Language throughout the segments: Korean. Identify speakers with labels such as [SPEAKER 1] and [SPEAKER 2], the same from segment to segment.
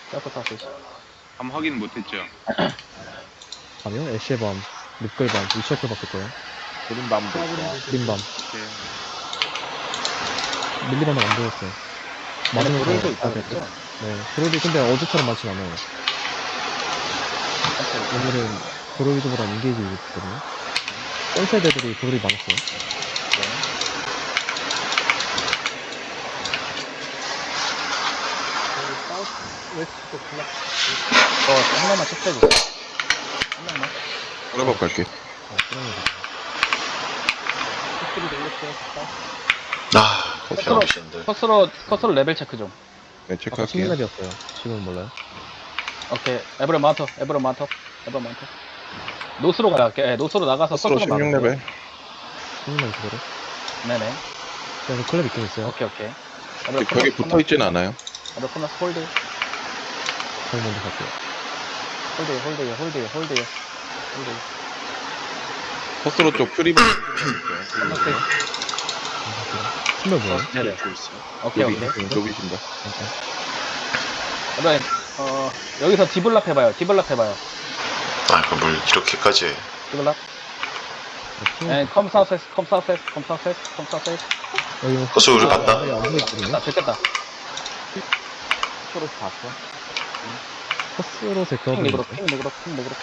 [SPEAKER 1] 사우스 사우스 이스트.
[SPEAKER 2] 밤 확인 못했죠.
[SPEAKER 3] 밤이요? 애쉬의 밤, 늑글 밤, 위쳐클 바뀌었고요.
[SPEAKER 4] 그린 밤도 있고.
[SPEAKER 3] 그린 밤,
[SPEAKER 2] 오케이.
[SPEAKER 3] 밀리밤은 안 보였어요.
[SPEAKER 1] 맞으면 브롤도
[SPEAKER 3] 아,
[SPEAKER 1] 있다
[SPEAKER 3] 네.
[SPEAKER 1] 그랬죠?
[SPEAKER 3] 네, 브롤이 근데 어제처럼 많진 않아요. 오늘은 브롤 위주보다 인게이지 위주거든요. 센스 애들이 브롤이 많았어요.
[SPEAKER 1] 사우스 웨스트 쪽 블락. 한 명만 체크해주세요. 한 명만.
[SPEAKER 4] 오래밥 갈게.
[SPEAKER 3] 그런 거
[SPEAKER 1] 스킬이 돌렸어요. 커스로 레벨 체크 좀.
[SPEAKER 4] 네,
[SPEAKER 3] 아까
[SPEAKER 4] 체크할게요.
[SPEAKER 3] 16렙이었어요. 지금은 몰라요.
[SPEAKER 1] 오케이. 에브런 마운터. 노스로 가요. 예, 노스로 나가서
[SPEAKER 4] 스스로
[SPEAKER 1] 커스로 막을게요.
[SPEAKER 4] 16레벨.
[SPEAKER 3] 16렙 그대로.
[SPEAKER 1] 네네.
[SPEAKER 3] 그래서 클랩 있긴 있어요.
[SPEAKER 1] 오케이.
[SPEAKER 4] 벽에 붙어있진 않아요.
[SPEAKER 1] 에브런 코너스 홀드.
[SPEAKER 3] 저희 먼저 갈게요.
[SPEAKER 1] 홀드요.
[SPEAKER 4] 커스로 쪽 퓨리밤.
[SPEAKER 3] 신발 뭐예요?
[SPEAKER 1] 네네. 오케이.
[SPEAKER 4] 로비신다.
[SPEAKER 1] 에브런 여기서 디블랍 해봐요.
[SPEAKER 5] 아, 그럼 뭘 이렇게까지 해.
[SPEAKER 1] 디블랍. 네, 컴 사우스에스.
[SPEAKER 3] 여기
[SPEAKER 5] 커스 우리 봤다.
[SPEAKER 3] 안 보이거든요.
[SPEAKER 1] 아, 됐다.
[SPEAKER 3] 커스로 제
[SPEAKER 1] 핑
[SPEAKER 3] 그거
[SPEAKER 1] 리그로.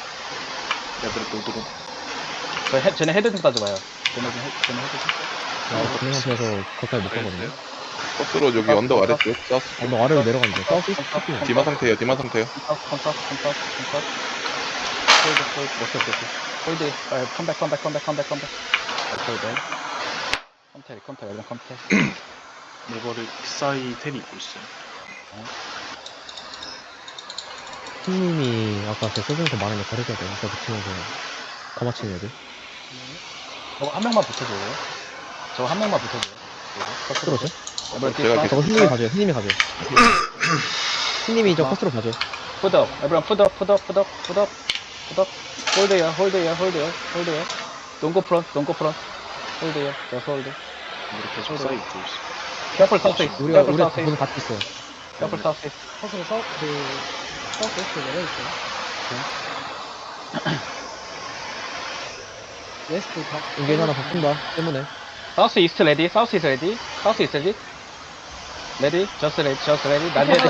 [SPEAKER 1] 쟤네 헤드 좀 따져봐요. 쟤네 헤드 좀.
[SPEAKER 3] 그냥 상태에서 가까이 못 가거든요.
[SPEAKER 4] 커스로 여기 언덕 아래쪽. 사우스.
[SPEAKER 3] 언덕 아래로 내려가는데 사우스 이스트 탑이요.
[SPEAKER 4] 디마 상태예요. 디마 상태요.
[SPEAKER 1] 컴사우스. 홀드. 컴백. 컴텔.
[SPEAKER 6] 네버를 빅사이 텔이 입고 있어요.
[SPEAKER 3] 팀님이 아까 제 세종에서 말한 거 가르쳐야 돼요. 진짜 붙이면서 가마치는 애들.
[SPEAKER 1] 저거 한 명만 붙여줘요.
[SPEAKER 3] 커스로죠?
[SPEAKER 4] 제가
[SPEAKER 3] 저거 흰님이 가져요. 흰님이 저 커스로 가져요.
[SPEAKER 1] 푸드업. 에브런 푸드업. 홀드요. 동고 프론트. 홀드요. 저서 홀드.
[SPEAKER 6] 이렇게 빅사이 입고 있어요.
[SPEAKER 1] 캐플 사우스 이스트.
[SPEAKER 3] 우리 분 같이 있어요.
[SPEAKER 1] 캐플 사우스 이스트.
[SPEAKER 3] 이게 하나 바꾼다. 때문에.
[SPEAKER 1] 사우스 이스트 레디. 레디. 저스 레디. 난 레디.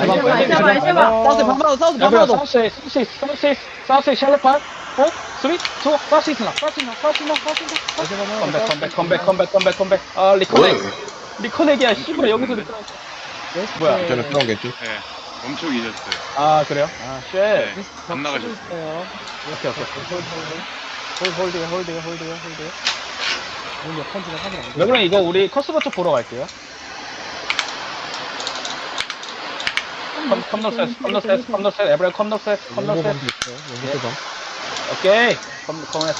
[SPEAKER 1] 사우스 샬롯판. 3, 2, 사우스 이스트 나. 컴백. 아, 리커넥이야. 씨발 여기서 리커넥. 뭐야?
[SPEAKER 4] 괜찮아. 상황 괜찮.
[SPEAKER 2] 네. 멈추고 계셨어요.
[SPEAKER 1] 아, 그래요? 아, 쉣.
[SPEAKER 2] 네. 안 나가셨어요.
[SPEAKER 1] 오케이. 홀드요. 왜 그럼 이거 우리 커스버 쪽 보러 갈게요. 컴노셋, 에브라 컴노셋.
[SPEAKER 3] 연고방도 있어요. 연고방.
[SPEAKER 1] 오케이. 커메스.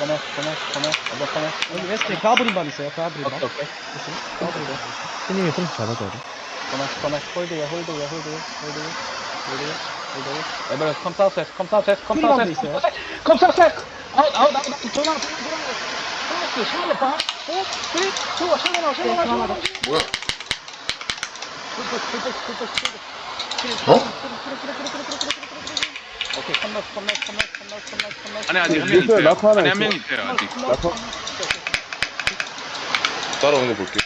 [SPEAKER 7] 여기 웨스트에 가브린밤 있어요. 가브린밤.
[SPEAKER 1] 오케이.
[SPEAKER 3] 흰님이 프린트 잡아줘야 돼.
[SPEAKER 1] 커메스. 홀드요. 에브라 컴사우스에스.
[SPEAKER 7] 프리밤도 있어요.
[SPEAKER 1] 컴사우스에스. 아웃. 전화. 커메스, 샬롯 3, 2, 샬롯.
[SPEAKER 5] 뭐야?
[SPEAKER 1] 오케이, 컴너스.
[SPEAKER 2] 안에 아직 한 명 있어요. 안에 한 명 있어요. 아직.
[SPEAKER 4] 따라오는 거 볼게.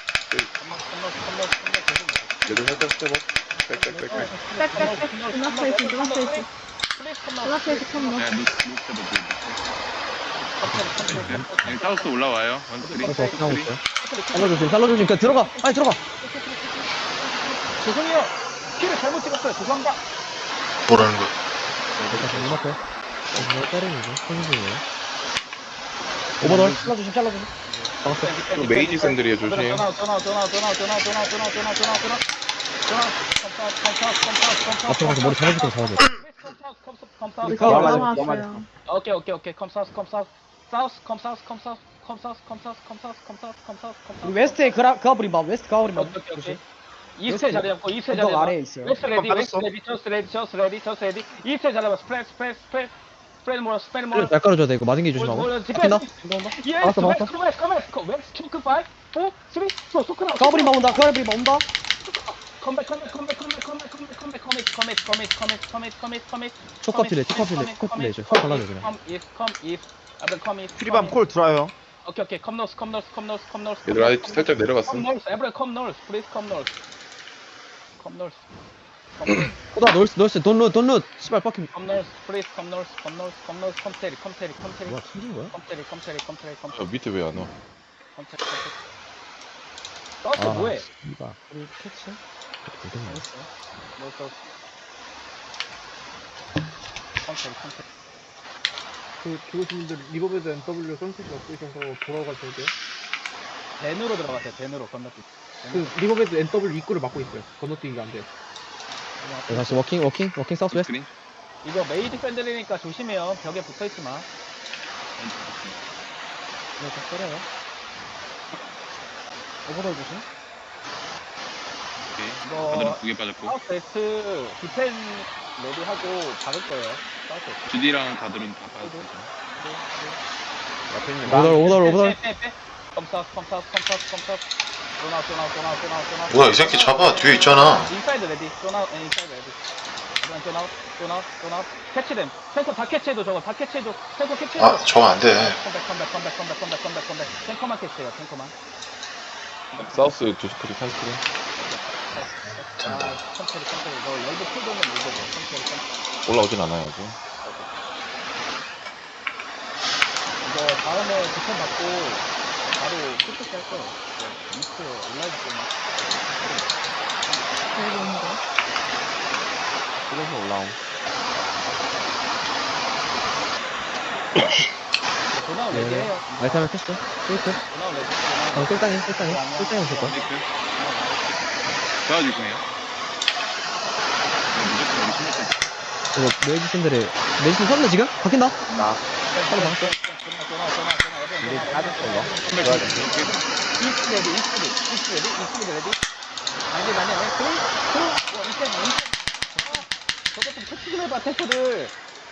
[SPEAKER 4] 얘들 살짝 스텝업. 빽빽빽빽.
[SPEAKER 2] 네, 네, 사우스 올라와요.
[SPEAKER 3] 그래서 어떻게 하고 있어요? 살려주심. 그냥 들어가. 빨리 들어가.
[SPEAKER 1] 죄송해요. 키를 잘못 찍었어요. 죄송합니다.
[SPEAKER 5] 뭐라는 거야?
[SPEAKER 3] 일단 문 앞에. 이거 때리는데. 선생님이에요. 오버돌.
[SPEAKER 7] 잘라주심.
[SPEAKER 4] 또 메이지 샌들이에요. 조심.
[SPEAKER 3] 앞으로 가서 머리 잡아줄 거 잡아줘.
[SPEAKER 1] 오케이. 컴사우스.
[SPEAKER 7] 우리 웨스트에 가브린밤. 웨스트 가브린밤.
[SPEAKER 1] 오케이. 이스트에 자리 잡고 이스트에 자리
[SPEAKER 7] 언덕
[SPEAKER 1] 잡아.
[SPEAKER 7] 아래에 있어요.
[SPEAKER 1] 웨스트 레디. 저스 레디. 이스트에 자리 잡아. 스프레드 모어.
[SPEAKER 3] 날 깔아줘야 돼. 이거 맞은 게 조심하고. 바뀐다.
[SPEAKER 1] 예.
[SPEAKER 3] 막았어.
[SPEAKER 1] 웨스트 초크 5, 4, 3, 2, 소크나.
[SPEAKER 7] 가브린밤 온다.
[SPEAKER 1] 컴백.
[SPEAKER 3] 초커필레 저 확 발라줘 그냥.
[SPEAKER 1] 트리밤 콜 들어와요.
[SPEAKER 2] 오케이 컴 노스
[SPEAKER 4] 얘들 아직 살짝 내려갔어.
[SPEAKER 2] 컴 노스 에브리 컴 노스 플리즈 컴 노스
[SPEAKER 3] 오다 놀스 돈룻 씨발 빡김.
[SPEAKER 2] 컴 노스 플리즈 컴 노스 컴테리
[SPEAKER 3] 뭐야 튕긴 거야?
[SPEAKER 4] 밑에 왜 안 와?
[SPEAKER 2] 서스 뭐해?
[SPEAKER 3] 이봐.
[SPEAKER 7] 우리 캐치.
[SPEAKER 3] 고생이야.
[SPEAKER 1] 그 교수님들 리버베드 NW 선셋이 없으셔서 돌아가셔야 돼요.
[SPEAKER 2] 덴으로 들어갔어요. 덴으로 건너뛰기.
[SPEAKER 1] 그 리버베드 NW 입구를 막고 있어요. 건너뛰기가 안 돼요.
[SPEAKER 3] 네, 다시 워킹 사우스 웨스트.
[SPEAKER 2] 스크린. 이거 메이드 팬들이니까 조심해요. 벽에 붙어 있지 마.
[SPEAKER 7] 네, 좀 때려요. 오버돌 조심.
[SPEAKER 2] 이거
[SPEAKER 8] 두개 빠졌고
[SPEAKER 2] 사우스 웨스트 디펜 레디하고 박을 거예요. 사우스 웨스트.
[SPEAKER 8] 주디랑 다들은 다 빠졌죠.
[SPEAKER 4] 앞에 있는
[SPEAKER 3] 오덜.
[SPEAKER 2] 컴사우스. 도나웃.
[SPEAKER 5] 뭐야, 이 새끼 잡아. 뒤에 있잖아.
[SPEAKER 2] 인사이드 레디. 도나웃 인사이드 레디. 도나웃. 캐치됨. 탱커 다 캐치해도 저거 다 캐치해도. 탱커 캐치해도.
[SPEAKER 5] 아, 저거 안 돼.
[SPEAKER 2] 컴백. 탱커만 캐치해요. 탱커만.
[SPEAKER 4] 사우스 두 스크린, 한 스크린.
[SPEAKER 2] 컨트리. 너 열도 풀도면 이거고. 컨트리.
[SPEAKER 4] 올라오진 않아요, 아직.
[SPEAKER 2] 이거 다음에 디펜 받고 바로 끝까지 할 거예요. 미스트 올라오기 때문에.
[SPEAKER 4] 그래서 올라옴.
[SPEAKER 2] 도나우 레디해요.
[SPEAKER 3] 알타면 패스. 스위트.
[SPEAKER 2] 도나우 레디.
[SPEAKER 3] 꿀땅이 없을 거야.
[SPEAKER 8] 테이크 도와줄 거예요. 무조건 우리 신경
[SPEAKER 3] 이거 메디슨 섰네 지금? 바뀐다.
[SPEAKER 2] 바로 막았어.
[SPEAKER 1] 우리 빠졌어 이거.
[SPEAKER 2] 이스트 레디. 아니. 저거 좀 터치를 해봐, 테스를.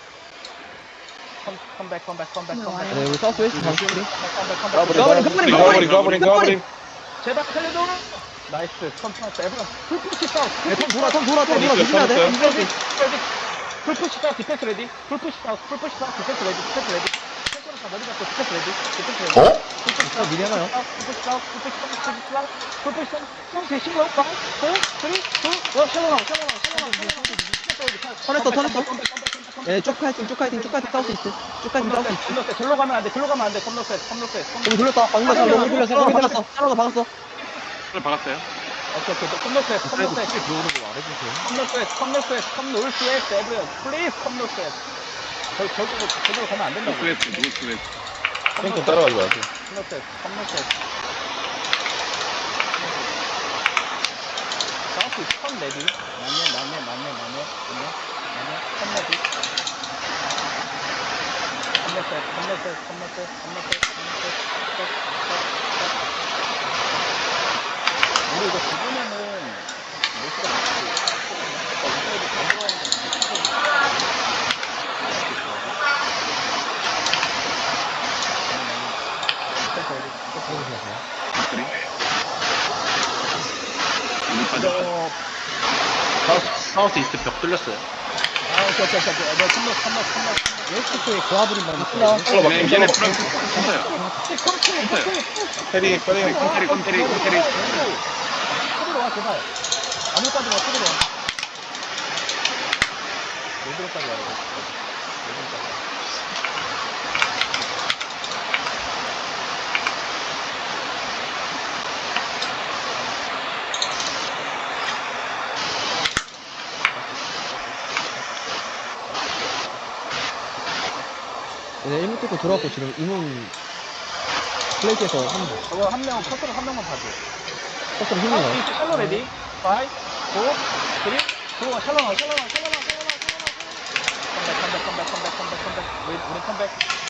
[SPEAKER 2] 컴백.
[SPEAKER 3] 네, 우리 사우스 웨스트 다시 우리.
[SPEAKER 4] 가버린.
[SPEAKER 2] 제발 살려줘. 나이스. 컨트롤 에브라. 풀푸시 사우스.
[SPEAKER 3] 네, 돌아 조심해야 돼.
[SPEAKER 2] 풀푸시 사우스 디펜스 레디. 풀푸시 사우스 디펜스 레디. 탱커는 다 머리 잡고 디펜스 레디.
[SPEAKER 5] 어?
[SPEAKER 3] 미리 하나요?
[SPEAKER 2] 풀푸시 사우스 대신로 5, 4, 3, 2, 1 샬로나우.
[SPEAKER 3] 턴했어. 예, 쭉 파이팅 사우스 있어.
[SPEAKER 2] 절로 가면 안 돼. 컴노스.
[SPEAKER 3] 너무 돌렸다. 방금 너무 돌렸어. 샬로가 박았어.
[SPEAKER 8] 박았어요.
[SPEAKER 2] 오케이. 컴노스 에브리언. 플리즈 컴노스. 저쪽으로 가면 안 된다고.
[SPEAKER 8] 노스웨스트.
[SPEAKER 4] 탱크 따라가지 마세요.
[SPEAKER 2] 컴노스. 사우스 컴 레디. 맞네. 컴 레디. 컴노스. 우리 이거 죽으면은 모스가
[SPEAKER 8] 우리 빠졌고.
[SPEAKER 6] 사우스 이스트 벽 뚫렸어요.
[SPEAKER 2] 오케이. 너 컴노스.
[SPEAKER 7] 웨스트에 고아브린 밤 있어요.
[SPEAKER 8] 얘네 프랑스 컴사요.
[SPEAKER 4] 페리.
[SPEAKER 8] 컴테리.
[SPEAKER 2] 토리로 와, 제발. 아무까지 와, 토리로 와. 레드로까지 와요, 레드로까지.
[SPEAKER 3] 얘네 1문 뚫고 들어왔고 지금 이문 플레이트에서 하는 거.
[SPEAKER 2] 저거 커서로 한 명만 봐줘.
[SPEAKER 3] 커스텀 힘이 나와.
[SPEAKER 2] 이스 샬로 레디. 5, 4, 3, 2, 1 샬로 나와. 컴백. 우리 컴백.